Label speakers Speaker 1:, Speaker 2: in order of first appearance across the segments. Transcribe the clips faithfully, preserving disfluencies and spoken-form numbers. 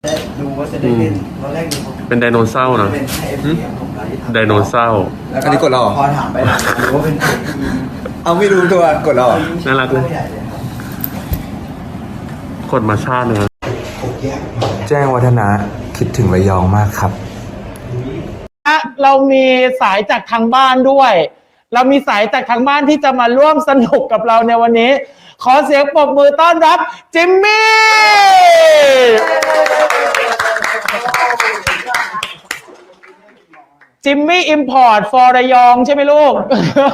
Speaker 1: ดูว่าจะได้เล่นตอนแรกดู
Speaker 2: เป็นไดโนเสาร์นะไดโนเสาร์
Speaker 3: อันนี้กดเรา
Speaker 1: พอถามไปรู้ว่าเป็น
Speaker 3: เอาไม่รู้ตัวกดเรา
Speaker 2: น่ารักเลยกดมาชาติเลย
Speaker 3: แจ้งวัฒนะคิดถึงระยองมากครับ
Speaker 4: เรามีสายจากทางบ้านด้วย เรามีสายจากทางบ้านที่จะมาร่วมสนุกกับเราในวันนี้ขอเสียงปรบมือต้อนรับจิมมี่จิมมี่อิมพอร์ตฟอร์ระยองใช่ไหมลูก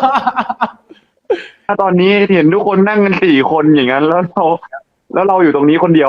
Speaker 2: ถ้าตอนนี้เห็นทุกคนนั่งกันสี่คนอย่างนั้นแล้วเราแล้วเราอยู่ตรงนี้คนเดียว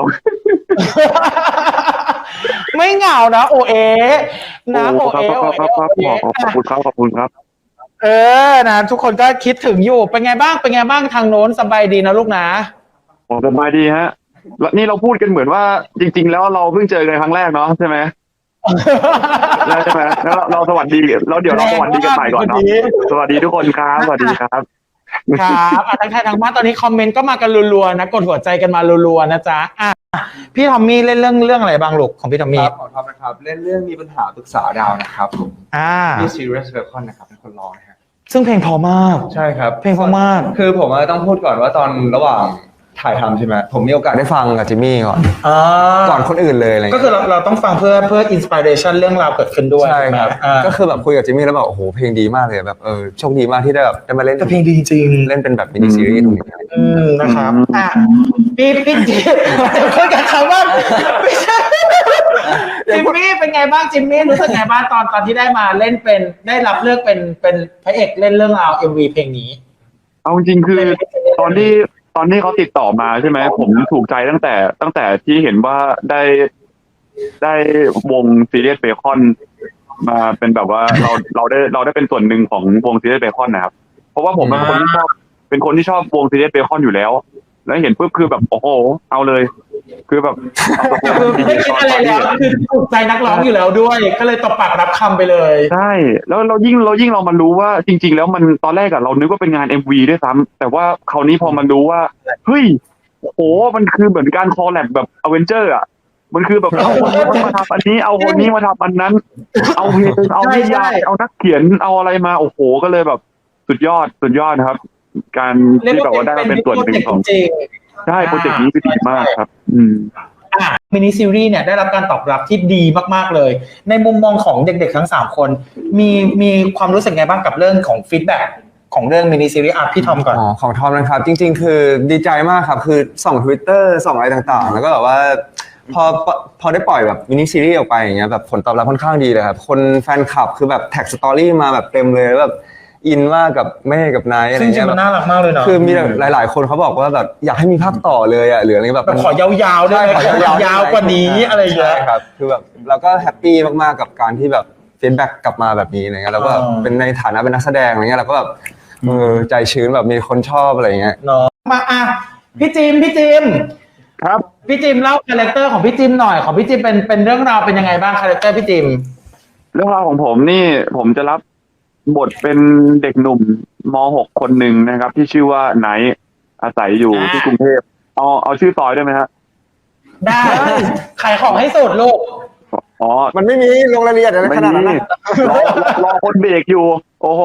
Speaker 4: ไม่เหงานะโอเอนะโอเอโอเอขอบ
Speaker 2: คุณครับขอบคุณครับ
Speaker 4: เออนะทุกคนก็คิดถึงอยู่เป็นไงบ้างเป็นไงบ้างทางโน้นสบายดีนะลูกนะ
Speaker 2: สบายดีฮะนี่เราพูดกันเหมือนว่าจริงๆแล้วเราเพิ่งเจอกันครั้งแรกเนาะใช่ไหมใช่ไหมแล้วเราสวัสดีแล้วเดี๋ยวเราสวัสดีกันใหม่ก่อนเนาะสวัสดีทุกคนครับสวัสดีครับ
Speaker 4: ครับทักทายทางบ้านตอนนี้คอมเมนต์ก็มากันรัวๆนะกดหัวใจกันมารัวๆนะจ๊ะอ่ะพี่ทอมมี่เล่นเรื่องเรื่องอะไรบ้างลูกของพี่ทอมมี่
Speaker 3: ของทอมนะครับเล่นเรื่องมีปัญหาปรึกษาดาวนะครับผม
Speaker 4: อ่า
Speaker 3: ที่ Serious Welcome นะครับเป็นคนร้องนะฮะ
Speaker 4: ซึ่งเพลงพอมาก
Speaker 3: ใช่ครับ
Speaker 4: เพลงพอมาก
Speaker 3: คือผมต้องพูดก่อนว่าตอนระหว่างถ่ายทำใช่ไหมผมมีโอกาสได้ฟังกับจิมมี่ก่อนก่อนคนอื่นเลยอะไร
Speaker 4: ก็คือเราเราต้องฟังเพื่อเพื่ออินสปิเรชันเรื่องราวเกิดขึ้นด้วย
Speaker 3: ใช่ครับก็คือแบบคุยกับจิมมี่แล้วแบบโอ้โหเพลงดีมากเลยแบบเออโชคดีมากที่ได้แบบได้มาเล่น
Speaker 4: แต่เพลงดีจริง
Speaker 3: เล่นเป็นแบบมินิซีรีส์ตรงนี้
Speaker 4: อืมนะครับอ่ะพี่พี่จิมจะคุยกับเขาว่าไม่ใช่จิมมี่เป็นไงบ้างจิมมี่รู้สึกไงบ้างตอนตอนที่ได้มาเล่นเป็นได้รับเลือกเป็นเป็นพระเอกเล่นเรื่องราว เอ็ม วี เพลงนี้
Speaker 2: เอาจริงคือตอนที่ตอนที่เขาติดต่อมาใช่ไหมผมถูกใจตั้งแต่ตั้งแต่ที่เห็นว่าได้ได้วงซีเรียสเบคอนมาเป็นแบบว่าเราเราได้เราได้เป็นส่วนหนึ่งของวงซีเรียสเบคอนนะครับเพราะว่าผมเป็นคนที่ชอบเป็นคนที่ชอบวงซีเรียสเบคอนอยู่แล้วแล้วเห็นปุ๊บคือแบบโอ้โหเอาเลยคือแบบ
Speaker 4: คือไม่เป็นอะไรแล้วคือถูกใจนักร้องอยู่แล้วด้วยก็เลยตบปากรับคำไปเลย
Speaker 2: ใช่แล้วเรายิ่งเรายิ่งเรามารู้ว่าจริงๆแล้วมันตอนแรกอะเรานึกว่าเป็นงาน เอ็ม วี ด้วยซ้ำแต่ว่าคราวนี้พอมันรู้ว่าเฮ้ยโหมันคือเหมือนการคอลแลบแบบอเวนเจอร์อะมันคือแบบเอาคนนี้มาทำอันนี้เอาคนนี้มาทำอันนั้นเอาเพลงเอานิยายเอานักเขียนเอาอะไรมาโอ้โหก็เลยแบบสุดยอดสุดยอดนะครับการที่แบบว่าได้เป็นส่วนหนึ่งของใช่โปรเจกต์นี้คือดีมากครับอืม
Speaker 4: อ่ะมินิซีรีส์เนี่ยได้รับการตอบรับที่ดีมากๆเลยในมุมมองของเด็กๆทั้งสามคนมีมีความรู้สึกไงบ้างกับเรื่องของฟีดแบ็กของเรื่องมินิซีรีส์อ่ะพี่ทอมก่อน
Speaker 3: อ๋อของทอมนะครับจริงๆคือดีใจมากครับคือส่อง Twitter ส่องอะไรต่างๆแล้วก็แบบว่าพอพอได้ปล่อยแบบมินิซีรีส์ออกไปอย่างเงี้ยแบบผลตอบรับค่อนข้างดีเลยครับคนแฟนคลับคือแบบแท็กสตอรี่มาแบบเต็มเลยแบบอินมากกับแม่กับนายอะไรเงี้
Speaker 4: ยมันน่ารักมากเลยเนาะ
Speaker 3: คือมีหลายๆคนเขาบอกว่าแบบอยากให้มีภาคต่อเลยอ่ะหรืออะไรแบบ
Speaker 4: ขอยาวๆได้ขอยาวๆกว่านี้อะไรอย่างเงี้ย
Speaker 3: ครับคือแบบเราก็แฮปปี้มากๆกับการที่แบบฟีดแบ็กกลับมาแบบนี้อะไรเงี้ยแล้วก็เป็นในฐานะเป็นนักแสดงอะไรเงี้ยเราก็แบบเออใจชื้นแบบมีคนชอบอะไรเงี้ย
Speaker 4: เนาะมาอ่ะพี่จิมพี่จิม
Speaker 2: ครับ
Speaker 4: พี่จิมเล่าคาแรคเตอร์ของพี่จิมหน่อยของพี่จิมเป็นเป็นเรื่องราวเป็นยังไงบ้างคาแรคเตอร์พี่จิม
Speaker 2: เรื่องราวของผมนี่ผมจะรับบทเป็นเด็กหนุ่มม หก คนหนึ่งนะครับที่ชื่อว่าไนท์อาศัยอยู่ที่กรุงเทพเอาเอาชื่อซอยได้ไหมฮะ
Speaker 4: ได้ขายของให้สุดลูก
Speaker 2: อ๋อ
Speaker 3: มันไม่มีลงรายละเอียดอะไรขนาดนั้น
Speaker 2: รอรอคนเบรกอยู่โอ้โห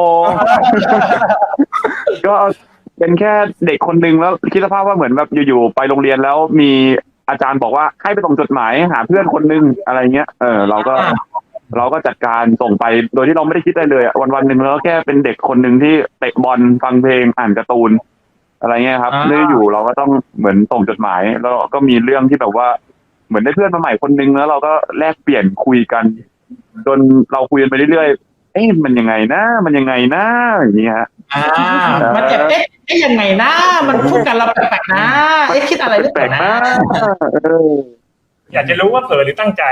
Speaker 2: ก็เป็นแค่เด็กคนหนึ่งแล้วคิดสภาพว่าเหมือนแบบอยู่ๆไปโรงเรียนแล้วมีอาจารย์บอกว่าให้ไปส่งจดหมายหาเพื่อนคนนึงอะไรเงี้ยเออเราก็เราก็จัดการส่งไปโดยที่เราไม่ได้คิดอะไรเลยอ่ะวันวันหนึ่งแล้วแค่เป็นเด็กคนหนึ่งที่เตะบอลฟังเพลงอ่านการ์ตูนอะไรเงี้ยครับเรื่อยอยู่เราก็ต้องเหมือนส่งจดหมายแล้วก็มีเรื่องที่แบบว่าเหมือนได้เพื่อนมาใหม่คนนึงแล้วเราก็แลกเปลี่ยนคุยกันจนเราคุยกันไปเรื่อยๆเอ๊ะมันยังไงนะมันยังไงนะอย่างเงี้ยฮะ
Speaker 4: อ่ามันจะเอ๊ะเอ๊ะยังไงนะมันพูดกันเราแปลกๆนะเอ๊ะคิดอะไรหรือเปล่านะ
Speaker 5: อยากจะรู้ว่าเผลอหรือตั้งใจ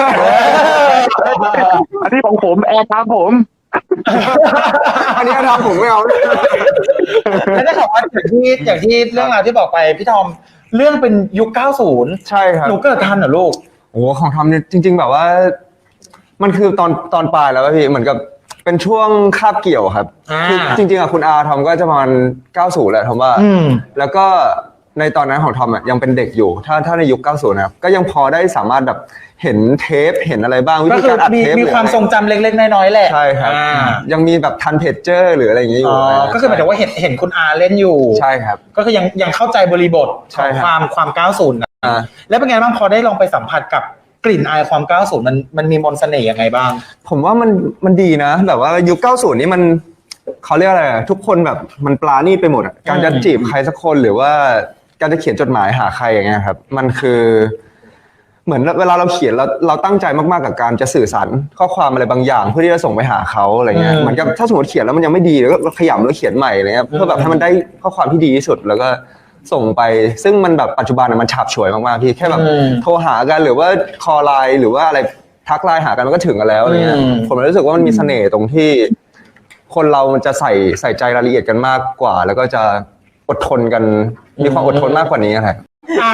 Speaker 2: อันนี้ของผมแอร์ครับผม
Speaker 3: อันนี้ทำผมไม่เอา
Speaker 4: แล้วได้ข่าวว่าอย่างที่อย่างที่เรื่องราวที่บอกไปพี่ทอมเรื่องเป็นยุคเก้าสิบ
Speaker 3: ใช่ครับ
Speaker 4: หนูเกิดทันเหรอลูก
Speaker 3: โอ้ของทอมเนี่ยจริงๆแบบว่ามันคือตอนตอนปลายแล้วพี่เหมือนกับเป็นช่วงคาบเกี่ยวครับคือจริงๆอ่ะคุณอาทอมก็จะประมาณเก้าสิบแหละทอมว่าแล้วก็ในตอนนั้นของทอมอ่ะยังเป็นเด็กอยู่ ถ้าถ้าในยุคเก้าสิบนะครับก็ยังพอได้สามารถแบบเห็นเทปเห็นอะไรบ้างวิ
Speaker 4: ก็
Speaker 3: ธี
Speaker 4: คือ
Speaker 3: การอัด
Speaker 4: มี
Speaker 3: เทป
Speaker 4: มีความ
Speaker 3: หรือ
Speaker 4: ทรงจำเล็กๆน้อยๆแหละ
Speaker 3: ใช่ครับ
Speaker 4: อ่า
Speaker 3: ยังมีแบบทันเพจเจอร์หรืออะไรอย่างเงี้ยอยู่
Speaker 4: อ๋อก็คือหมายถึงว่าเห็นเห็นคุณอาเล่นอยู่
Speaker 3: ใช่ครับ
Speaker 4: ก็คือยังยังเข้าใจบริบท
Speaker 3: ใช่
Speaker 4: ของ
Speaker 3: ครับ
Speaker 4: ความความเก้าสิบนะ
Speaker 3: อ่า
Speaker 4: แล้วเป็นไงบ้างพอได้ลองไปสัมผัสกับกลิ่นอายความเก้าสิบมันมันมีมนต์เสน่ห์ยังไงบ้าง
Speaker 3: ผมว่ามันมันดีนะแบบว่ายุคเก้าสิบนี่มันเขาเรียกอะไรอะทุกคนแบบมันปลาณีตไปหมดอะการจะจีบใครสักคนหรือว่าการจะเขียนจดหมายหาใครอย่างเงี้ยครับมันคือเหมือนเวลาเราเขียนเราเราตั้งใจมากๆกับการจะสื่อสารข้อความอะไรบางอย่างเพื่อที่จะส่งไปหาเขาอะไรเงี้ย
Speaker 4: อืม
Speaker 3: เหมือนกับถ้าสมมติเขียนแล้วมันยังไม่ดีแล้วก็ขยำแล้วเขียนใหม่อะไรเงี้ยเพื่อแบบให้มันได้ข้อความที่ดีที่สุดแล้วก็ส่งไปซึ่งมันแบบปัจจุบันอะมันฉาบฉวยมากๆพี่แค่แบบโทรหากันหรือว่าคอลไลน์หรือว่าอะไรทักไลน์หากันมันก็ถึงกันแล้วอะไรเงี้ยผมรู้สึกว่ามันมีเสน่ห์ตรงที่คนเรามันจะใส่ใส่ใจรายละเอียดกันมากกว่า แล้วก็จะอดทนกันมีความอดทนมากกว่านี้ครับ
Speaker 4: อ่ะ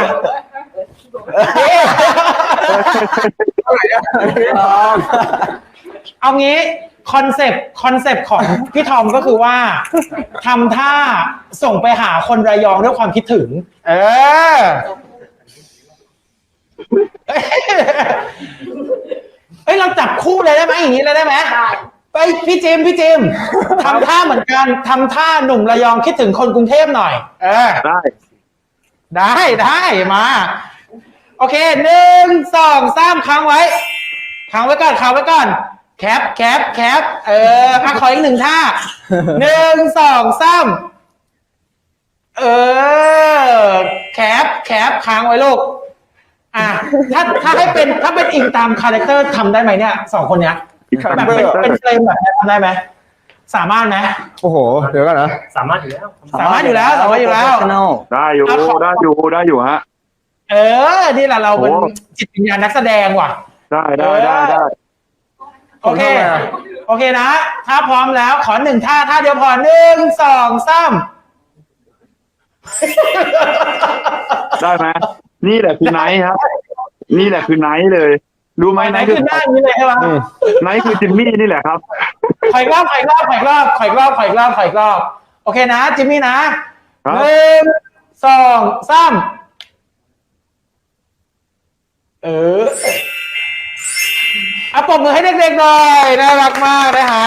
Speaker 4: เอางี้คอนเซปต์คอนเซปต์ของพี่ทอมก็คือว่าทำท่าส่งไปหาคนระยองด้วยความคิดถึง เออเอ้ยเราจับคู่เลยได้ไหมอย่างนี้เลยได้ไหมไปพี่จิมพี่จิมทำท่าเหมือนกันทำท่าหนุ่มระยองคิดถึงคนกรุงเทพหน่อย เออ
Speaker 2: ได้
Speaker 4: ได้ได้มา โอเคหนึ่งสองสามค้างไว้ค้างไว้ก่อนค้างไว้ก่อนแคปแคปแคปเอออ่ะขออีกหนึ่งท่าหนึ่งสองสามเออแคปแคปค้างไว้ลูกอ่ะถ้าถ้าให้เป็นถ้าเป็นอิงตามคาแรคเตอร์ทำได้ไหมเนี่ยสองคนเนี้ยแบบเป็นเป็นเฟรมแบบนี้ทำได้ไหมสามารถไหม
Speaker 3: โอ้โหเดี๋ยวก่อนนะ
Speaker 1: สามารถอยู่แล้ว
Speaker 4: สามารถอยู่แล้วสามารถอยู่แล้ว
Speaker 2: ได้อยู่
Speaker 4: เอาขอ
Speaker 2: ได้อยู่ได้อยู่ฮะ
Speaker 4: เออนี่แหละเราเป็น
Speaker 2: โอ้
Speaker 4: จิตวิญญาณนักแสดงว่ะ
Speaker 2: ได้ได้ได้ได้
Speaker 4: โอเค
Speaker 3: ผมทำไงอะ
Speaker 4: โอเคนะ ถ้าพร้อมแล้วขอหนึ่งท่าท่าเดียวพอหนึ่งสองสาม
Speaker 2: ได้ไหมนี่แหละคือไนท์ครับ นี่แหละคือไนท์เลย รู้ไหม
Speaker 4: ไหน
Speaker 2: ไนท์
Speaker 4: คื
Speaker 2: คือ อ
Speaker 4: หน้านี้เลยใช่ไหม
Speaker 2: ไนท์คือจิมมี่นี่แหละครับ
Speaker 4: ขอยรอบขอยรอบขอยรอบขอยรอบขอยรอบขอยรอบโอเคนะจิมมี่นะครับ หนึ่งสองสามเอออ่ะปรบมือให้เด็กๆหน่อยน่ารักมากนะฮะ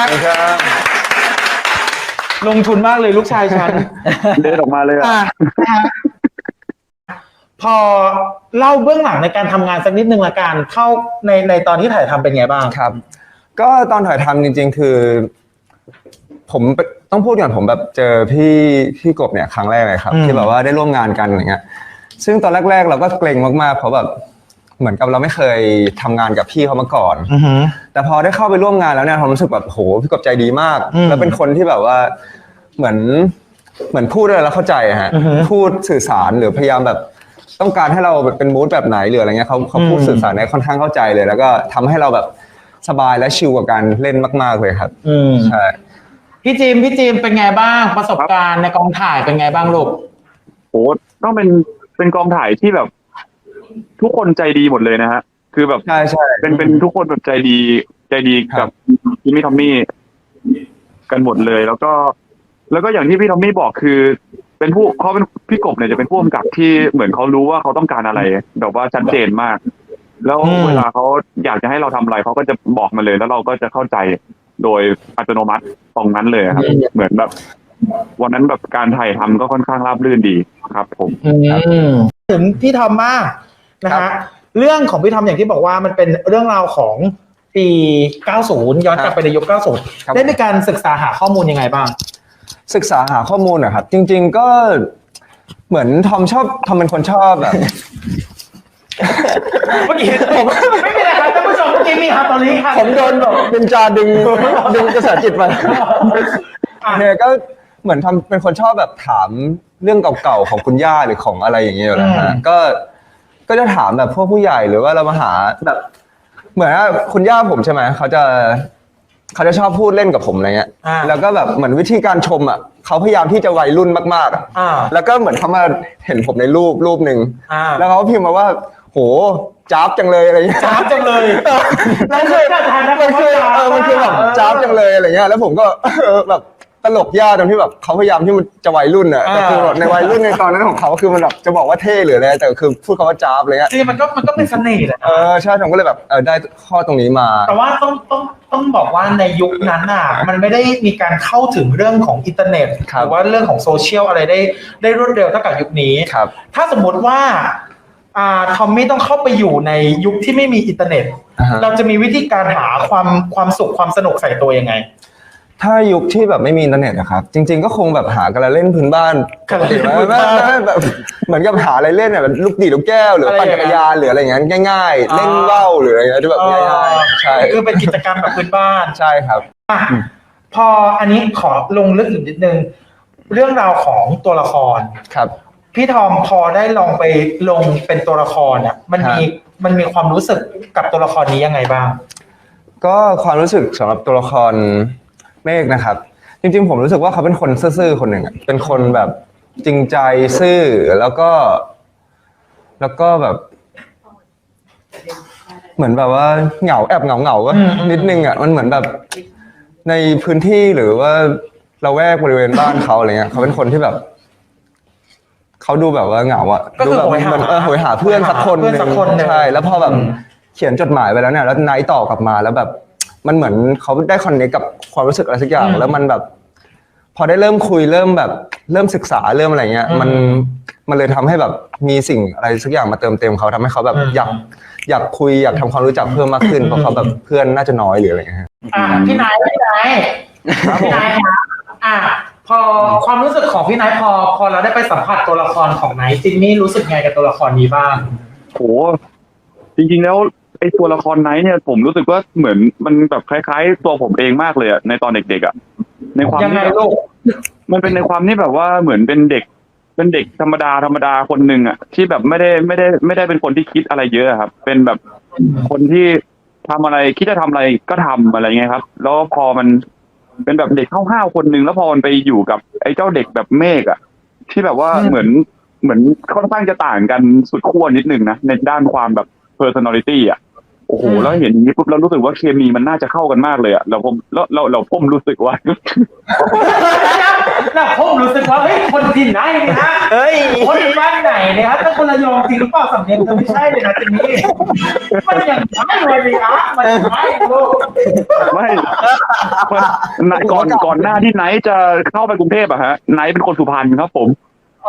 Speaker 4: ลงทุนมากเลยลูกชายฉัน
Speaker 2: เดินออกมาเลยอะ
Speaker 4: อ่ะนะฮะพอเล่าเบื้องหลังในการทำงานสักนิดนึงละกันเข้าในในตอนที่ถ่ายทำเป็นไงบ้าง
Speaker 3: ครับ ก็ตอนถ่ายทำจริง ๆ คือ ผมต้องพูดก่อนผมแบบเจอพี่พี่กบเนี่ยครั้งแรกเลยครับ
Speaker 4: อืม
Speaker 3: ที่แบบว่าได้ร่วมงานกันอย่างเงี้ย ซึ่งตอนแรก ๆ เราก็เกรงมากๆเพราะแบบเหมือนกับเราไม่เคยทำงานกับพี่เขามาก่อน
Speaker 4: อือหือ
Speaker 3: แต่พอได้เข้าไปร่วมงานแล้วเนี่ยผมรู้สึกแบบโหพี่กบใจดีมาก
Speaker 4: อืม
Speaker 3: แล้วเป็นคนที่แบบว่าเหมือนเหมือนพูดอะไรแล้วเข้าใจอะฮะ
Speaker 4: อือฮึ
Speaker 3: พูดสื่อสารหรือพยายามแบบต้องการให้เราเป็นมูดแบบไหนหรืออะไรเงี้ยเขาเขาพูด
Speaker 4: อืม
Speaker 3: สื่อสารได้ค่อนข้างเข้าใจเลย แล้วก็ทำให้เราแบบสบายและชิลกับการเล่นมากๆเลยครับ
Speaker 4: อืม
Speaker 3: ใช่
Speaker 4: พี่จิมพี่จิมเป็นไงบ้างประสบการณ์ในกองถ่ายเป็นไงบ้างลูก
Speaker 2: โหต้องเป็นเป็นกองถ่ายที่แบบ ทุกคนใจดีหมดเลยนะฮะคือแบบ
Speaker 3: ใช่ใช่
Speaker 2: เป็นเป็นทุกคนแบบใจดีใจดี
Speaker 3: ครั
Speaker 2: กับบ จิมมี่ทอมมี่กันหมดเลย แล้วก็ แล้วก็อย่างที่พี่ทอมมี่บอกคือ เป็นผู้เขาเป็นพี่กบเนี่ยจะเป็นผู้กำกับที่เหมือนเขารู้ว่าเขาต้องการอะไรแบบว่าชัดเจนมาก แล้ว
Speaker 4: อืม
Speaker 2: เวลาเขาอยากจะให้เราทำอะไรเขาก็จะบอกมาเลย แล้วเราก็จะเข้าใจโดยอัตโนมัติตรงนั้นเลยครับ เหมือนแบบ วันนั้นแบบการถ่ายทำก็ค่อนข้างราบรื่นดีครับ ผม
Speaker 4: อืมถึงพี่ทอมมากนะ
Speaker 3: ครั
Speaker 4: ฮะ
Speaker 3: บ
Speaker 4: เรื่องของพี่ทอมอย่างที่บอกว่ามันเป็นเรื่องราวของปี เก้าสิบ ย้อนกลับไปในยุค เก้าสิบ
Speaker 3: ครับ
Speaker 4: ได้มีการศึกษาหาข้อมูลยังไงบ้าง
Speaker 3: ศึกษาหาข้อมูลนะครับ จริง ๆก็เหมือนทอมชอบทอมเป็นคนชอบแบบ
Speaker 4: เมื่อกี้ผมไม่เป็นไรครับท่านผู้ชมเมื่อกี้มีฮาตอรี่ค่ะ
Speaker 3: ผมโดนแบบเป็นจาดึงดึงกระแสจิตไป
Speaker 4: อ่ะ
Speaker 3: เนี่ยก็เหมือนทำเป็นคนชอบแบบถามเรื่องเก่าๆของคุณย่าหรือของอะไรอย่างเงี้ยอยู่แล้ว
Speaker 4: อื
Speaker 3: ฮะ
Speaker 4: ม
Speaker 3: ก็ก็จะถามแบบพวกผู้ใหญ่หรือว่าเรามาหาแบบ เหมือนว่าคุณย่าผมใช่ไหมเขาจะเขาจะชอบพูดเล่นกับผมอะไรเงี้ย
Speaker 4: อ่า
Speaker 3: แล้วก็แบบเหมือนวิธีการชมอ่ะเขาพยายามที่จะวัยรุ่นมากๆอะ
Speaker 4: อ่า
Speaker 3: แล้วก็เหมือนเขามาเห็นผมในรูปรูปหนึ่ง
Speaker 4: อ่า
Speaker 3: แล้วเขาก็พิมพ์มาว่า โหจ้าบจังเลยอะไรเงี้ย
Speaker 4: จ้าบจังเลย
Speaker 3: นั่นคือมันคือเออมันคือแบบจ้าบจังเลยอะไรเงี้ยแล้วผมก็ เออแบบตลกยากตรงที่แบบเขาพยายามที่มันจะวัยรุ่นอ่ะแต่คือแบบในวัยรุ่นในตอนนั้นของเขาคือมันแบบจะบอกว่าเท่หรืออะไรแต่คือพูดคำว่าจ้าบเลยอ่ะ
Speaker 4: จริงมันก็มันก็เป็นเสน่ห์แหละ
Speaker 3: เออใช่ผมก็เลยแบบเออได้ข้อตรงนี้มา
Speaker 4: แต่ว่าต้องต้องต้องบอกว่าในยุคนั้นน่ะมันไม่ได้มีการเข้าถึงเรื่องของอินเทอร์เน็ต
Speaker 3: ครับ
Speaker 4: หรือว่าเรื่องของโซเชียลอะไรได้ได้รวดเร็วเท่ากับยุคนี้
Speaker 3: ครับ
Speaker 4: ถ้าสมมติว่าอ่าทอมมี่ต้องเข้าไปอยู่ในยุคที่ไม่มีอินเทอร์เน็ต
Speaker 3: อ่าฮะ
Speaker 4: เราจะมีวิธีการหาความความสุขความสนุกใส่ตัวยังไง
Speaker 3: ถ้ายุคที่แบบไม่มีอินเทอร์เน็ตนะครับจริง ๆก็คงแบบหากันละเล่นพื้นบ้าน
Speaker 4: กันละเล่น
Speaker 3: ไม่
Speaker 4: พื้น
Speaker 3: ไม่
Speaker 4: บ้าน
Speaker 3: ไม่แบบเหมือนกับหาอะไรเล่นแบบลูกดีดลูกแก้วหรือ
Speaker 4: อะไร
Speaker 3: ปั่นจักรยานหรืออะไรอย่างเงี้ยง่าย ๆ เล่นว่าวหรืออะไรเงี้ยที่แบบง่ายๆใช่
Speaker 4: คือเป็นกิจกรรมแบบพื้นบ้าน
Speaker 3: ใช่ครับ
Speaker 4: อ่ะพออันนี้ขอลงลึกอีกนิดนึง เรื่องราวของตัวละคร
Speaker 3: ครับ
Speaker 4: พี่ทอมพอได้ลองไปลงเป็นตัวละครเนี่ยมันมี
Speaker 3: ครับ
Speaker 4: มันมีความรู้สึกกับตัวละครนี้ยังไงบ้าง
Speaker 3: ก็ความรู้สึกสำหรับตัวละครเมฆนะครับ จริงๆผมรู้สึกว่าเขาเป็นคนซื่อๆคนหนึ่งอะเป็นคนแบบจริงใจซื่อแล้วก็ แล้วก็แบบ เหมือนแบบว่าเหงาแอบเหงาเหงาๆวะ
Speaker 4: อืมอืม
Speaker 3: นิดนึงอ่ะมันเหมือนแบบในพื้นที่หรือว่าละแวกบริเวณบ้านเขาอะไรเงี้ยเขาเป็นคนที่แบบเขาดูแบบว่าเหงาอ่ะ
Speaker 4: ก็
Speaker 3: ดู
Speaker 4: คือ
Speaker 3: แบบ
Speaker 4: โหยหา
Speaker 3: มันเออโหยหาเพื่อนสักคน
Speaker 4: เพื่อนสักคนหนึ่ง
Speaker 3: ใช่แล้วพอแบบ
Speaker 4: อืม
Speaker 3: เขียนจดหมายไปแล้วเนี่ยแล้วไนท์ตอบกลับมาแล้วแบบ มันเหมือนเขาได้คอนเนคกับความรู้สึกอะไรสักอย่างแล้วมันแบบ พอได้เริ่มคุยเริ่มแบบเริ่มศึกษาเริ่มอะไรเงี้ย มันมันเลยทำให้แบบมีสิ่งอะไรสักอย่างมาเติมเต็มเขาทำให้เขาแบบอยากอยากคุยอยากทำความรู้จักเพิ่มมากขึ้นเพราะเขาแบบเพื่อนน่าจะน้อยหรืออะไรเงี้ย
Speaker 4: อ่ะพี่นายพี่นายพี่นายครับอ่ะพอความรู้สึกของพี่นายพอพอเราได้ไปสัมผัสตัวละครของไนท์จินนี่รู้สึกไงกับตัวละครนี้บ้าง
Speaker 2: โหจริงๆแล้วไอ้ตัวละครไนท์เนี่ยผมรู้สึกว่าเหมือนมันแบบคล้ายๆ ตัวผมเองมากเลยอะในตอนเด็กๆอะในความ
Speaker 4: ยังไง
Speaker 2: ที่แบบ
Speaker 4: ลูก
Speaker 2: มันเป็นในความที่แบบว่าเหมือนเป็นเด็ก เป็นเด็กธรรมดาธรรมดาคนหนึ่งอะที่แบบไม่ได้ไม่ได้ไม่ได้เป็นคนที่คิดอะไรเยอะอะครับ เป็นแบบคนที่ทำอะไรคิดจะทำอะไรก็ทำอะไรเงี้ยครับ แล้วพอมันเป็นแบบเด็กห้าวๆคนหนึ่งแล้วพอมันไปอยู่กับไอ้เจ้าเด็กแบบเมฆอะที่แบบว่า
Speaker 4: อืม
Speaker 2: เหมือนเหมือนค่อนข้างจะต่างกันสุดขั้วนิดนึงนะในด้านความแบบ personality อ่ะโอ้โหแล้วเห็นอย่างนี้ปุ๊บเรารู้สึกว่าเคมีมันน่าจะเข้ากันมากเลยอ่ะเราผมแล้วเราเราผมรู้สึกว่า
Speaker 4: แล้วผมรู้สึกว่าเฮ้ยคนที่ไหนเนี่ยฮะ
Speaker 3: เฮ้ย
Speaker 4: คนบ้านไหนเนี่ยฮะถ้าคนระยองจริงหรือเปล่าสำเนียงเธอไม่ใช่เลยนะจินนี่มันยังไงเลยดิฮะมันยังไงลูก
Speaker 2: ไม่มันก่อนก่อนหน้าที่ไนท์จะเข้าไปกรุงเทพอะฮะไนท์เป็นคนสุพรรณครับผม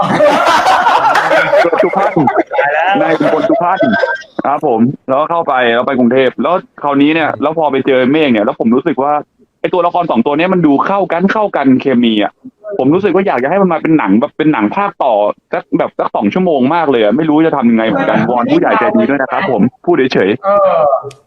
Speaker 2: สุพรรณไนท์เป็นคนสุพรรณครับผมแล้วก็เข้าไปแล้วไปกรุงเทพแล้วคราวนี้เนี่ยแล้วพอไปเจอเมฆเนี่ยแล้วผมรู้สึกว่าไอตัวละครสองตัวเนี้ยมันดูเข้ากันเข้ากันเคมีอ่ะผมรู้สึกว่าอยากจะให้มันมาเป็นหนังแบบเป็นหนังภาคต่อสักแบบสักสองชั่วโมงมากเลยอ่ะไม่รู้จะทำยังไงเหมือนกันวอนผู้ใหญ่ใจดีด้วยนะครับผมพูดเฉย
Speaker 4: เออ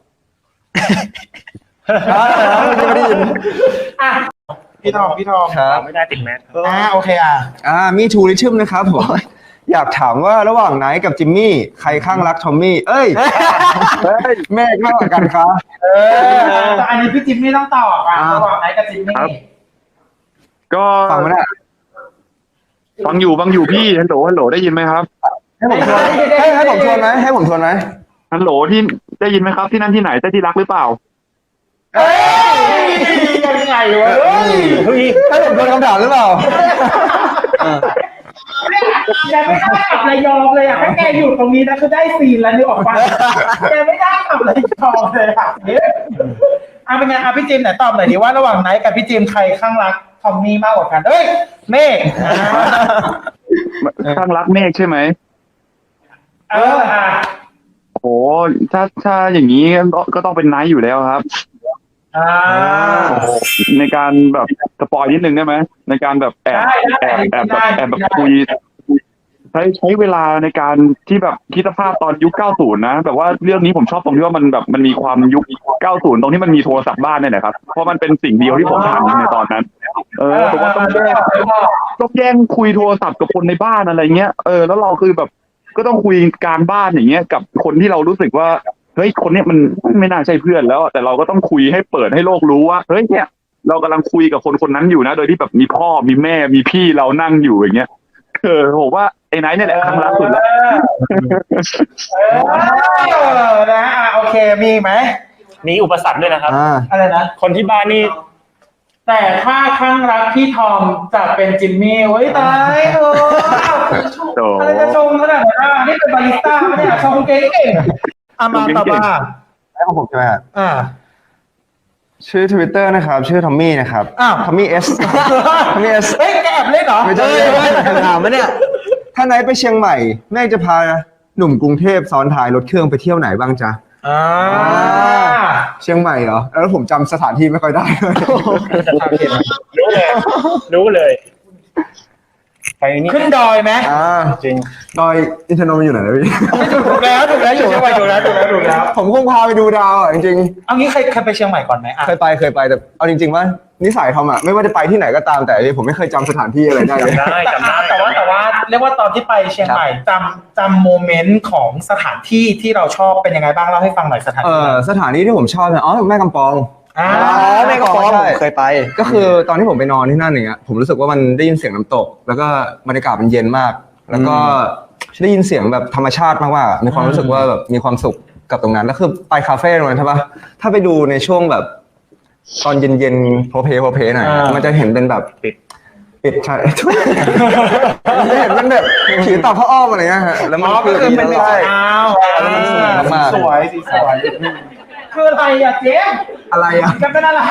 Speaker 3: ไม่ได้ยิน
Speaker 4: อ่ะพี่ทองพี่ทอง
Speaker 3: ครับ
Speaker 1: ไม่ได้ติดแมส
Speaker 4: อ่าโอเคอ่ะ
Speaker 3: อ่ามีทูริชมนะครับผม อยากถามว่าระหว่างไนท์กับจิมมี่ใครข้างรักทอมมี่เอ้ยเฮ้ยเมฆมากกว่ากันครับ
Speaker 4: เออแต่อันนี้พี่จิมมี่ต้องตอบอ่ะ
Speaker 3: อ่า
Speaker 4: ระหว่างไหนกับจิมมี่
Speaker 2: ๆก็
Speaker 3: ฟังมาได้
Speaker 2: ฟังอยู่ฟังอยู่พี่ฮัลโหลฮัลโหลได้ยินไหมครับ
Speaker 3: ให้ผมทวนให้ให้ผมทวนไหมให้ผมทวนไหม
Speaker 2: ฮัลโหลที่ได้ยินไหมครับที่นั่นที่ไหนใช่ที่รักหรือเปล่า
Speaker 4: เฮ้ยยังไงวะเฮ้ย
Speaker 3: ให้ผมทวนคำถามหรือเปล่า
Speaker 4: แกไม่ได้กลับระยองเลยอ่ะถ้าแกอยู่ตรงนี้นะคือได้ซีนแล้วนึกออกปะแกไม่ได้กลับระยองเลยอ่ะเนี่ยอ่ะเป็นไงอ่ะพี่จิมไหนตอบหน่อยดิว่าระหว่างไหนกับพี่จิมใครข้างรักทอมมี่มากกว่ากันเอ้ยเมฆอ่า
Speaker 2: ข้างรักเมฆใช่ไหม
Speaker 4: เอออ่ะ
Speaker 2: โอ้ถ้าถ้าอย่างนี้ก็ก็ต้องเป็นไนท์อยู่แล้วครับ
Speaker 4: อ่า
Speaker 2: ในการแบบสปอยนิดนึงได้ไหมในการแบบแอบ
Speaker 4: ได้ได้
Speaker 2: แอบแอบแบบ
Speaker 4: ได้
Speaker 2: แอบแบบ
Speaker 4: ได้
Speaker 2: คุยใช้ใช้เวลาในการที่แบบคิดสภาพตอนยุคเก้าสิบนะแบบว่าเรื่องนี้ผมชอบตรงที่ว่ามันแบบมันมีความยุคเก้าสิบตรงที่มันมีโทรศัพท์บ้านเนี่ยนะครับเพราะมันเป็นสิ่งเดียวที่ผมทำในตอนนั้น เออผมว่าต้องแย่งต้องแย่งคุยโทรศัพท์กับคนในบ้านอะไรเงี้ยเออแล้วเราคือแบบก็ต้องคุยกลางบ้านอย่างเงี้ยกับคนที่เรารู้สึกว่าเฮ้ยคนเนี้ยมันไม่น่าใช่เพื่อนแล้วแต่เราก็ต้องคุยให้เปิดให้โลกรู้ว่าเฮ้ยเนี่ยเรากำลังคุยกับคนคนนั้นอยู่นะโดยที่แบบมีพ่อมีแม่มีพี่เรานั่งอยู่อย่างเงี้ยเออผมว่าไอ้ไนท์เนี่ยแหละครั้งล่าสุดแล้ว
Speaker 4: เออนะอ่ะโอเคมีไหม
Speaker 1: มีอุปสรรคด้วยนะครับ
Speaker 3: อ่า
Speaker 4: อะไรนะ
Speaker 1: คนที่บ้านนี่
Speaker 4: แต่ถ้าข้างรักพี่ทอมจะเป็นจิมมี่เฮ้ยตายเออ
Speaker 2: โต
Speaker 4: อะไรจะชงขนาดนั้นอ่ะนี่เป็นบาริสต้าปะเนี่ยชงเก่งๆอามาต่อมา
Speaker 3: แล้วของผมใช่ไหมฮะ
Speaker 4: อ่า
Speaker 3: ชื่อ Twitter นะครับ ชื่อทอมมี่นะครับ
Speaker 4: อ้าว
Speaker 3: ทอมมี่เอสทอมมี่เอส
Speaker 4: เฮ้ยแกแอบเล่นเหรอ
Speaker 3: ไม่ใช่ถามมาเนี่ย ถ้าไหนไปเชียงใหม่แม่จะพาหนุ่มกรุงเทพซ้อนท้ายรถเครื่องไปเที่ยวไหนบ้างจ๊ะ
Speaker 4: อ่า
Speaker 3: เชียงใหม่เหรอ แล้วผมจำสถานที่ไม่ค่อยได้
Speaker 5: รู้เลย รู้เลย ไปนี่
Speaker 4: ขึ้นดอยไหม
Speaker 3: อ่า
Speaker 5: จริง
Speaker 3: ดอยอินทนนท์มันอยู่ไหนนะพี่
Speaker 4: ถูกแล้วถูกแล้วอยู่ที่ไปถูกแล้วถูกแล้วถูกแล้ว
Speaker 3: ผมคงพาไปดูดาวอ่ะจริง
Speaker 4: เอางี้เคยเคยไปเชียงใหม่ก่อนไหมอ่ะ
Speaker 3: ๆเคยไปเคยไปแต่เอาจริงๆว่านิสัยทอมอ่ะไม่ว่าจะไปที่ไหนก็ตามแต่ผมไม่เคยจำสถานที่อะไรได้เลย
Speaker 5: จำได้
Speaker 4: แต่
Speaker 5: จำได้
Speaker 4: แต่ว่าแต่ว่าเรียกว่าตอนที่ไปเชียงใหม่จำจำโมเมนต์ของสถานที่ที่เราชอบเป็นยังไงบ้างเล่าให้ฟังหน่อยสถาน
Speaker 3: เอ
Speaker 4: ที่
Speaker 3: อสถานที่ที่ผมชอบเนี่ยอ๋อแม่กำปอง
Speaker 4: อ่า
Speaker 3: แม่กำปอง
Speaker 1: ใช่
Speaker 3: เคยไป ก็คือตอนที่ผมไปนอนที่นั่นอย่างเงี้ยผมรู้สึกว่ามันได้ยินเสียงน้ำตก แล้วก็บรรยากาศมันเย็นมาก แล้วก็ได้ยินเสียงแบบธรรมชาติมากๆมีความรู้สึกว่าแบบมีความสุขกับตรงนั้นแล้วคือไปคาเฟ่ตรงนั้นใช่ปะถ้าไปดูในช่วงแบบตอนเย็นๆโพเพโพเพหน่อยมันจะเห็นเป็นแบบ
Speaker 5: ปิด
Speaker 3: ปิดใช่ จะเห็นเป็นแบบผีตาพ่ออ้อมอะไรเงี้ยฮะแล้วมัน
Speaker 4: อ๋อก็คือเป็น
Speaker 3: ใช่
Speaker 4: อ้าว
Speaker 3: แล้วมันสวยมากๆ
Speaker 4: สวยสีสวยคืออะไรอ่ะเจ๊
Speaker 3: อะไรอ่ะ
Speaker 4: จะเป็นอะไร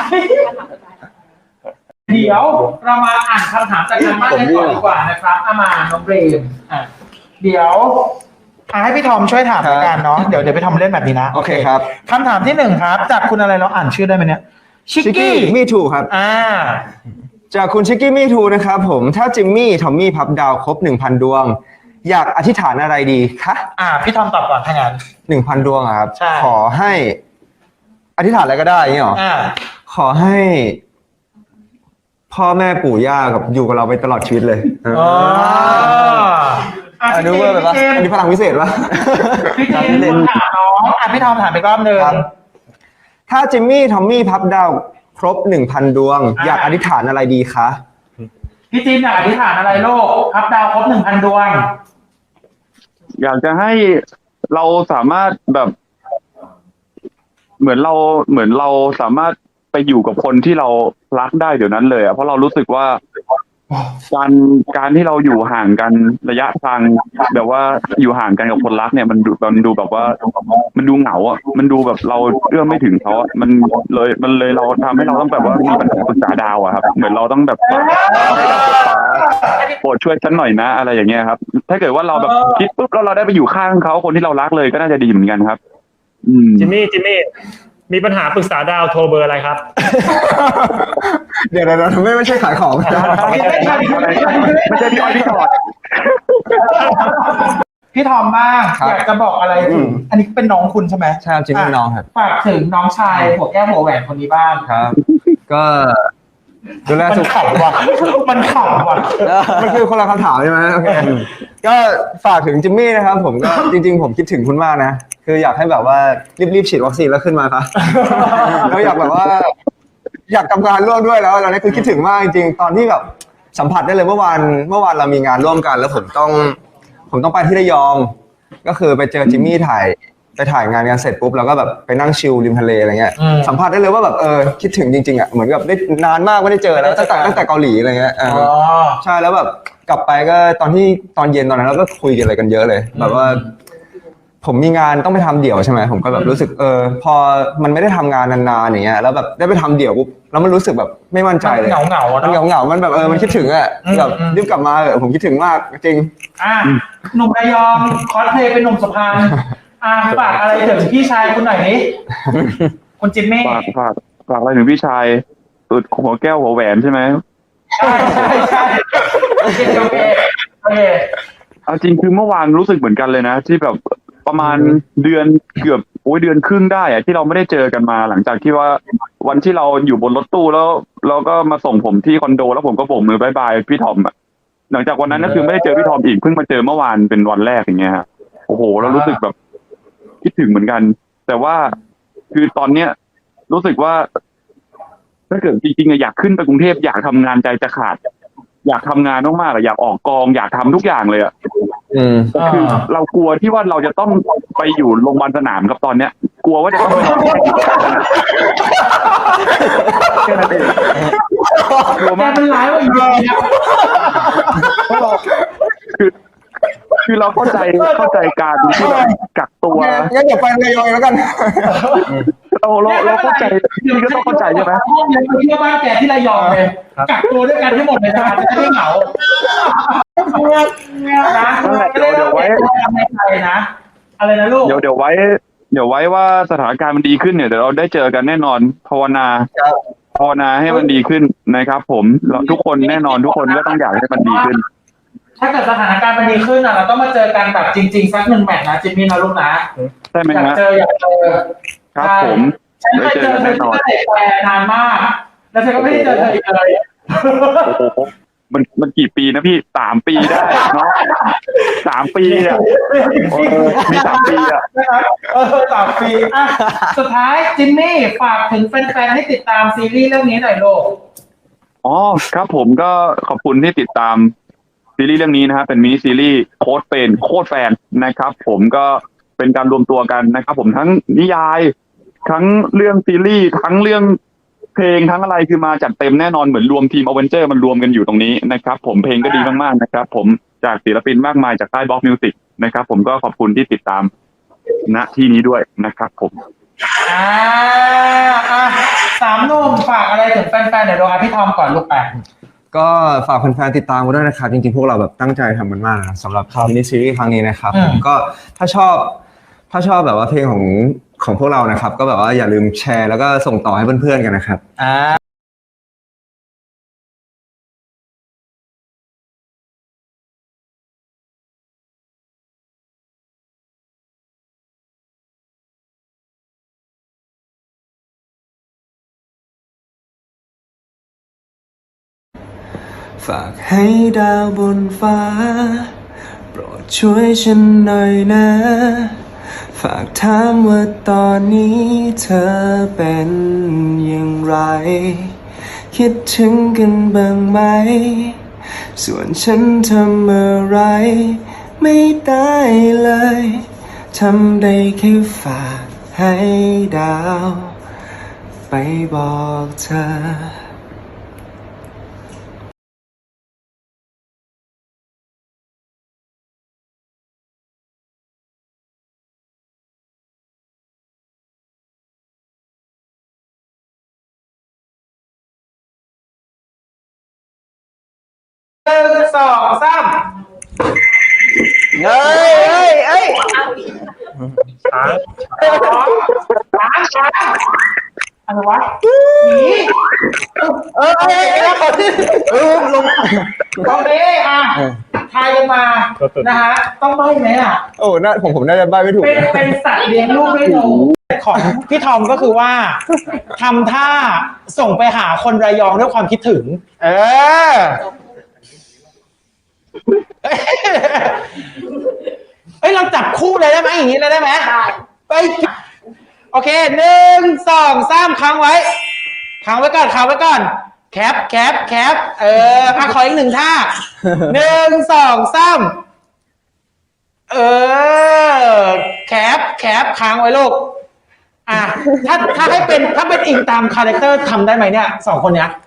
Speaker 4: เดี๋ยวเรามาอ่านคำถามจากทางบ้านกันก่อนดีกว่านะครับอามาน้องเบรมอ่ะเดี๋ยวอ่ะให้พี่ทอมช่วยถามแล้วกันเนาะเดี๋ยวเดี๋ยวพี่ทอมเล่นแบบนี้นะ
Speaker 3: โอเคครับ
Speaker 4: คำถามที่หนึ่งครับ จากคุณอะไรเราอ่านชื่อได้ไหมเนี่ยชิก
Speaker 3: ชิก
Speaker 4: กี้
Speaker 3: กี้มีทูครับ
Speaker 4: อ่า
Speaker 3: จากคุณชิกกี้มีทูนะครับผมถ้าจิมมี่ทอมมี่พับดาวครบหนึ่งพันดวง อยากอธิษฐานอะไรดีคะ
Speaker 4: อ่า พี่ทอมตอบก่อนถ้างั้น
Speaker 3: หนึ่งพันดวงอะครับ
Speaker 4: ใช่
Speaker 3: ขอให้อธิษฐานอะไรก็ได้อย่างนี้หรอ
Speaker 4: อ่า
Speaker 3: ขอให้ พ่อแม่ปู่ย่ากับอยู่กับเราไปตลอดชีวิตเลย
Speaker 4: อ๋ออ่ะ
Speaker 3: อันนี้
Speaker 4: พี่
Speaker 3: เวอร์ไปปะ
Speaker 4: เจม
Speaker 3: อันนี้พลังพิเศษปะ
Speaker 4: พี่เจมส์ถามน้องอ่ะพี่ทอมถามไปรอบหนึ่ง
Speaker 3: ครับ ถ้าจิมมี่ทอมมี่พับดาวครบหนึ่งพันดวง
Speaker 4: อ่า
Speaker 3: อยากอธิษฐานอะไรดีคะ
Speaker 4: พี่จิมอยากอธิษฐานอะไรโลกพับดาวครบหนึ่งพันดวง
Speaker 2: อยากจะให้เราสามารถแบบ เหมือนเราเหมือนเราสามารถไปอยู่กับคนที่เรารักได้เดี๋ยวนั้นเลยอ่ะเพราะเรารู้สึกว่าการการที่เราอยู่ห่างกันระยะทางแบบว่าอยู่ห่างกันกับคนรักเนี่ยมันดูมันดูแบบว่า มันดูเหงาอ่ะมันดูแบบเราเอื้อมไม่ถึงเขาอ่ะมันเลยมันเลยเราทำให้เราต้องแบบว่ามีปัญหาปรึกษาดาวอ่ะครับเหมือนเราต้องแบบโปรดช่วยฉันหน่อยนะอะไรอย่างเงี้ยครับ ถ้าเกิดว่าเราแบบคิดปุ๊บแล้วเราได้ไปอยู่ข้างเขาคนที่เรารักเลยก็น่าจะดีเหมือนกันครับ อืม
Speaker 5: จิมมี่ จิมมี่ มีปัญหาปรึกษาดาวโทรเบอร์อะไรครับ
Speaker 3: เดี๋ยวเดี๋ยวไม่ไม่ใช่ขายของ
Speaker 2: ไม่ใช่พี่อ้อยพี่ชอด
Speaker 4: พี่ทอมบ้าง
Speaker 3: ครับ
Speaker 4: อยากจะบอกอะไรถึงอันนี้เป็นน้องคุณใช่ไหม
Speaker 3: ใช่ครับจิมมี่น้องครับ
Speaker 4: ฝากถึงน้องชายหัวแก้วหัวแหวนคนนี้บ้าง
Speaker 3: ครับ ก็ดูแล
Speaker 4: มัน
Speaker 3: สุข
Speaker 4: ขำว่ะมันขำว่ะ
Speaker 3: มันคือคนละคำถามใช่ไหมโอเคก็ฝากถึงจิมมี่นะครับ ผมก็จริง ๆ ผมคิดถึงคุณมากนะ คืออยากให้แบบว่ารีบๆฉีดวัคซีนแล้วขึ้นมาครับ แล้วอยากแบบว่า อยากทำงานร่วมด้วยแล้วเราเนี่ยคือคิดถึงมากจริงๆตอนที่แบบสัมผัสได้เลยเมื่อวานเมื่อวานเรามีงานร่วมกัน แล้วผมต้อง ผมต้องไปที่ระยอง ก็คือไปเจอจิมมี่ถ่ายไปถ่ายงานกันเสร็จปุ๊บเราก็แบบไปนั่งชิลริมทะเลอะไรเงี้ย
Speaker 4: อืม
Speaker 3: สัมผัสได้เลยว่าแบบเออคิดถึงจริงๆอ่ะเหมือนกับได้นานมากไม่ได้เจอแล้วตั้งแต่ตั้งแต่เกาหลีอะไรเงี้ยเออ
Speaker 4: อ๋อ
Speaker 3: ใช่แล้วแบบกลับไปก็ตอนที่ตอนเย็นตอนนั้นเราก็คุยกันอะไรกันเยอะเลย แบบว่า ผมมีงานต้องไปทำเดี่ยวใช่ไหมผมก็แบบรู้สึกเออ พอมันไม่ได้ทำงานนานๆอย่างเงี้ยแล้วแบบได้ไปทำเดี่ยวปุ๊บแล้วมันรู้สึกแบบไม่มั่นใจเลย
Speaker 4: เหงาเหงาๆอะ
Speaker 3: มัน
Speaker 4: เนาะ
Speaker 3: เหงาๆมันแบบเออมันคิดถึงอ่ะ
Speaker 4: อืม
Speaker 3: แบบ
Speaker 4: อืม
Speaker 3: รีบกลับมาเออผมคิดถึงมากจริง
Speaker 4: อ่ะหนุ่มระยองคอสเพลย์เป็นหนุ่มสะพานอ่ะฝากอะไรถึงพี่ชายคุณหน่อยนี้คุณจิมมี่
Speaker 2: ฝากฝากฝากอะไรถึงพี่ชายเออหัวแก้วหัวแหวนใช่ไหม
Speaker 4: ใช่ใช่ใช่โอเคโอเคโอเค
Speaker 2: เอาจริงคือเมื่อวานรู้สึกเหมือนกันเลยนะ ที่แบบประมาณเดือนเกือบโอ้ยเดือนครึ่งได้อะที่เราไม่ได้เจอกันมา หลังจากที่ว่าวันที่เราอยู่บนรถตู้แล้วเราก็มาส่งผมที่คอนโดแล้วผมก็โบกมือบายบายพี่ทอมอะหลังจากวันนั้นก็คือไม่ได้เจอพี่ทอมอีกเพิ่งมาเจอเมื่อวานเป็นวันแรกอย่างเงี้ยฮะโอ้โหเรารู้สึกแบบคิดถึงเหมือนกัน แต่ว่าคือตอนเนี้ยรู้สึกว่า ถ้าเกิดจริงๆอะอยากขึ้นไปกรุงเทพอยากทำงานใจจะขาดอยากทำงานมากๆอะอยากออกกองอยากทำทุกอย่างเลยอะ
Speaker 3: อืม
Speaker 2: แต่คือเรากลัวที่ว่าเราจะต้องไปอยู่โรงพยาบาลสนามครับตอนเนี้ย กลัวว่าจะต้องไปนอนแค่นั้นเองกลัว
Speaker 4: แก
Speaker 2: มาก
Speaker 4: มันร้ายกว่าอยู่ดีนะ
Speaker 2: คือ คือเราเข้าใจเข้าใจการที่แบบกักตัว
Speaker 3: งั้นเดี๋ยวไประยองแล้วกัน
Speaker 2: เราเราเราเข้าใจพี่ก็ต้องเข้าใจใช่ไหม
Speaker 4: ห้องเลยไปเที่ยวบ้านแกที่ระยองเลยกักตัวด้วยกันทั้งหมดเลยนะจะได้ไม่เหงานะ
Speaker 2: นั่นแหละเดี๋ยวเดี๋ยวไว้
Speaker 4: ทำในไทยนะอะไรนะลูก
Speaker 2: เดี๋ยวเดี๋ยวไว้ เดี๋ยวไว้ว่าสถานการณ์มันดีขึ้นเนี่ยเดี๋ยวเราได้เจอกันแน่นอนภาวนาภาวนาให้มันดีขึ้นนะครับ ผมเราทุกคนแน่นอนทุกคนก็ต้องอยากให้มันดีขึ้น
Speaker 4: ถ้าเกิดสถานการณ์มันดีขึ้นอ่ะเราต้องมาเจอกันแบบจริงๆสักหนึ่งแมตช์นะจิมมี่นะลูกนะ
Speaker 2: ใช่ไหม
Speaker 4: อยาก
Speaker 2: ฮะ
Speaker 4: เจออยากเจอ
Speaker 2: ครับผม
Speaker 4: ฉันเคยเจอเธอที่ตั้งแต่แฟนนานมาก แล้วฉันก็ไม่ได้เจอเธออีกเลย
Speaker 2: โอ้โหมันมันกี่ปีนะพี่สามปีได้เนาะสามปีอ่ะเออมีสามปีอ่ะ
Speaker 4: นะครับเออสามปีอ่ะสุดท้ายจิมมี่ฝากถึงแฟนๆให้ติดตามซีรีส์เรื่องนี้หน่อยลูก
Speaker 2: อ๋อครับผมก็ขอบคุณที่ติดตามซีรีส์เรื่องนี้นะฮะเป็นมินิซีรีส์โค้ดเป็นโค้ดแฟนนะครับ ผมก็เป็นการรวมตัวกันนะครับ ผมทั้งนิยายทั้งเรื่องซีรีส์ทั้งเรื่องเพลงทั้งอะไรคือมาจัดเต็มแน่นอนเหมือนรวมทีมอเวนเจอร์มันรวมกันอยู่ตรงนี้นะครับ ผมเพลงก็ดีมากๆนะครับ ผมจากศิลปินมากมายจากค่ายบล็อกมิวสิกนะครับ ผมก็ขอบคุณที่ติดตามณที่นี้ด้วยนะครับ ผม
Speaker 4: อ่าอ่ะสามหนุ่มฝากอะไรถึงแฟนๆเดี๋ยวดูอ่ะพี่ทอมก่อนลูกแปะ
Speaker 3: ก็ฝากแฟนๆติดตามกันด้วยนะครับ จริงๆ พวกเราแบบตั้งใจทำมันมากนะสำหรับมินิซีรีส์ครั้งนี้นะครับ
Speaker 4: อืม
Speaker 3: ก็ถ้าชอบถ้าชอบแบบว่าเพลงของของพวกเรานะครับ ก็แบบว่าอย่าลืมแชร์แล้วก็ส่งต่อให้เพื่อนๆกันนะครับ
Speaker 4: อ่า
Speaker 6: ฝากให้ดาวบนฟ้าโปรดช่วยฉันหน่อยนะ ฝากถามว่าตอนนี้เธอเป็นอย่างไร คิดถึงกันบ้างไหม ส่วนฉันทำอะไรไม่ได้เลยทำได้แค่ฝากให้ดาวไปบอกเธอ
Speaker 4: หนึ่งสองสาม
Speaker 3: เฮ้ยเฮ้ยเฮ้ย
Speaker 5: ช้าง
Speaker 4: ช้างช้างอะไรวะหนี
Speaker 3: เออเออเออลง
Speaker 4: ตอนนี้อ่ะทายกันมานะฮะต้องใบ้ไหมอ่ะ
Speaker 3: โอ้น่าผมผมน่าจะใบ้ไม่ถูก
Speaker 4: เป็น
Speaker 3: นะ
Speaker 4: เป็นสัตว์เลี้ยงลูกด้วยนมของพี่ทอมก็คือว่าทำท่าส่งไปหาคนระยองด้วยความคิดถึง เออเอ้ยเราจับคู่เลยได้ไหมอย่างนี้เลยได้ไหมได้ไปโอเคหนึ่งสองสามค้างไว้ค้างไว้ก่อนค้างไว้ก่อนแคปแคปแคปเอออ่ะขออีกหนึ่งท่าหนึ่งสองสามเออแคปแคปค้างไว้ลูกอ่ะถ้าถ้าให้เป็นถ้าเป็นอิงตามคาแรคเตอร์ทำได้ไหมเนี่ยสองคนเนี้ย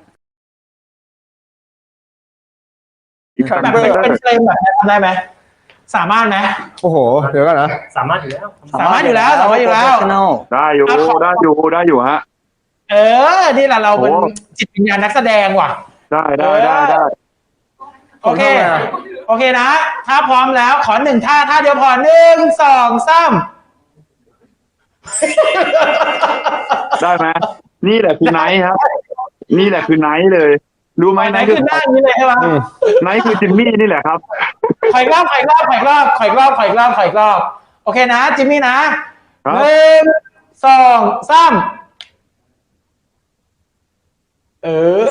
Speaker 4: แบบเป็นเป็นเฟรมแบบนี้ทำได้ไหมสามารถไหม
Speaker 3: โอ้โหเดี๋ยวก่อนนะ
Speaker 5: สามารถอยู่แล้ว
Speaker 4: สามารถอยู่แล้วสามารถอยู่แล้ว
Speaker 2: ได้อยู่ได้อยู่ได้อยู่ฮะ
Speaker 4: เออนี่แหละเราเป็น
Speaker 2: โอ้
Speaker 4: จิตวิญญาณนักแสดงว่ะ
Speaker 2: ได้ได้ได้ได้
Speaker 4: โอเค โอเคนะ ถ้าพร้อมแล้วขอหนึ่งท่าท่าเดียวพอหนึ่งสองสาม
Speaker 2: ได้ไหมนี่แหละคือไนท์ครับ นี่แหละคือไนท์เลย รู้ไหม
Speaker 4: ไหน
Speaker 2: ไนท์
Speaker 4: คื
Speaker 2: คือ อ
Speaker 4: หน้านี้เลยใช่ไหม
Speaker 2: ไนท์คือจิมมี่นี่แหละครับ
Speaker 4: ขอยรอบขอยรอบขอยรอบขอยรอบขอยรอบขอยรอบโอเคนะจิมมี่นะครับ หนึ่งสองสามเออ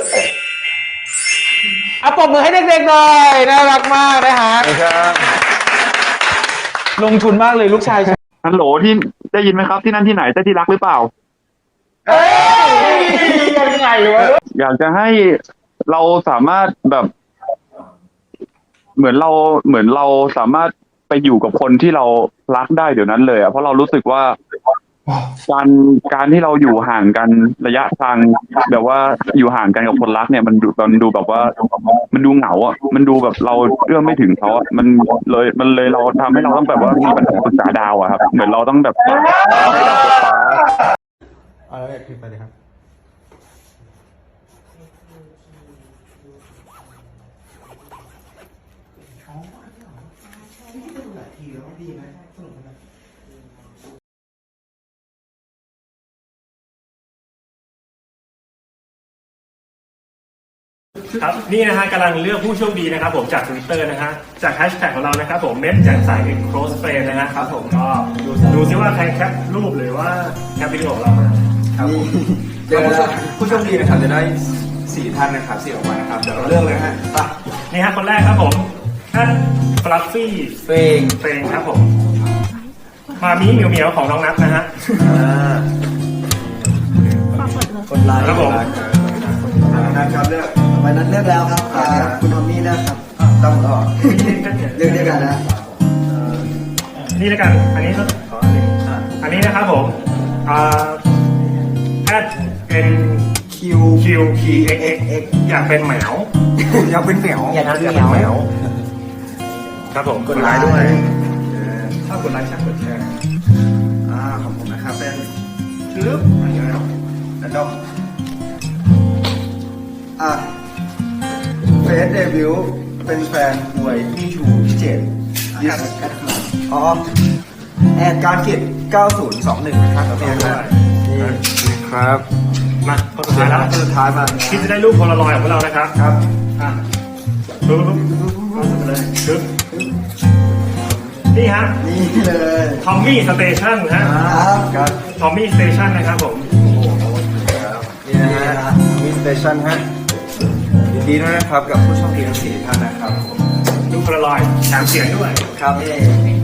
Speaker 4: อ่ะปรบมือให้เด็กๆหน่อยน่ารักมากนะฮะลงทุนมากเลยลูกชาย
Speaker 2: ฮัลโหลที่ได้ยินไหมครับที่นั่นที่ไหนเจ้าที่รักหรือเปล่า
Speaker 4: เอ้ยยังไงวะ
Speaker 2: อยากจะให้เราสามารถแบบเหมือนเราเหมือนเราสามารถไปอยู่กับคนที่เรารักได้เดี๋ยวนั้นเลยอ่ะเพราะเรารู้สึกว่าการการที่เราอยู่ห่างกันระยะทางแบบว่าอยู่ห่างกันกับคนรักเนี่ยมันดูมันดูแบบว่ามันดูเหงาอ่ะมันดูแบบเราเอื้อมไม่ถึงเขาอ่ะมันเลยมันเลยเราทำให้เราต้องแบบว่ามีปัญหาปรึกษาดาวอะครับเหมือนเราต้องแบบ
Speaker 6: เอาแล้วขึ้นไปเลยครับ
Speaker 5: ครับนี่นะฮะกำลังเลือกผู้โชคดีนะครับผมจาก Twitter นะฮะจากแฮชแท็กของเรานะครับผมเม็ดแจ่มใส close friend นะฮะครับผมก็ดูดูซิว่าใครแคปรูปหรือว่าแคปวิดีโอของเรามา
Speaker 3: ครับเจอผู้โชคดีนะครับจะได้สี่ท่านนะครับสี่ออกมานะครับเดี๋ยวเราเลือกเลยฮะไป
Speaker 5: นี่ฮะคนแรกครับผมแอดฟลัฟฟี่
Speaker 3: เฟง
Speaker 5: เฟงครับผมมามีเหมียวเหมียวของน้องนัทนะฮะ
Speaker 6: คนไลน์
Speaker 5: ครับผม
Speaker 3: นะครับเลือก
Speaker 6: วันนั้นเลือกแล้วครับอ่าคุณทอมมี่นะครับ
Speaker 3: ต้องรอ
Speaker 6: เลือกด้วยกันนะ
Speaker 5: นี่แล้วกันอันนี้ก็ขออันนี้อันนี้นะครับผมอ่าแอดเป็น
Speaker 3: คิว
Speaker 5: คิวพีเอ็กเอ็กเอ็กอยากเป็นแมว
Speaker 3: อยากเป็นเหมียว
Speaker 4: อยากเป็น
Speaker 3: อยากเป็น
Speaker 4: เห
Speaker 3: เห
Speaker 4: มี
Speaker 3: มี
Speaker 4: ย
Speaker 3: ยว ว
Speaker 5: ครับผม
Speaker 3: กดไลค์ด้วยเออถ้ากดไลค์แชร์กดแชร์อ่าของผมนะครับเป็นลึบอะไรเงี้ยแล้วก็อ่ะเฟสเดบิวต์เป็นแฟนมวยพี่ชูพี่เจตยิสอ๋อแอดการกิจเก้าศูนย์สองหนึ่งนะครับนี่นะครับนี่ครับ
Speaker 5: มาคนสุดท้ายแล้ว
Speaker 3: สุดท้ายมา
Speaker 5: ที่จะได้รูปโพลารอยด์ของพวกเรานะครับ
Speaker 3: ครับ
Speaker 5: อ่ะปึ๊บปึ๊บปึ๊บปึ๊บไปเลยปึ๊บนี่ฮะ
Speaker 3: นี่เลย
Speaker 5: ทอมมี่สเตชันฮะ
Speaker 3: ครับครับ
Speaker 5: ทอมมี่สเตชันนะครับผม
Speaker 3: นี่นะฮะมีสเตชันฮะยินดีด้วยนะครับกับผู้โชคดีทั้งสี่ท่านนะครับ
Speaker 5: รูปโพลารอยด์แถมเสียงด้วย
Speaker 3: ครับ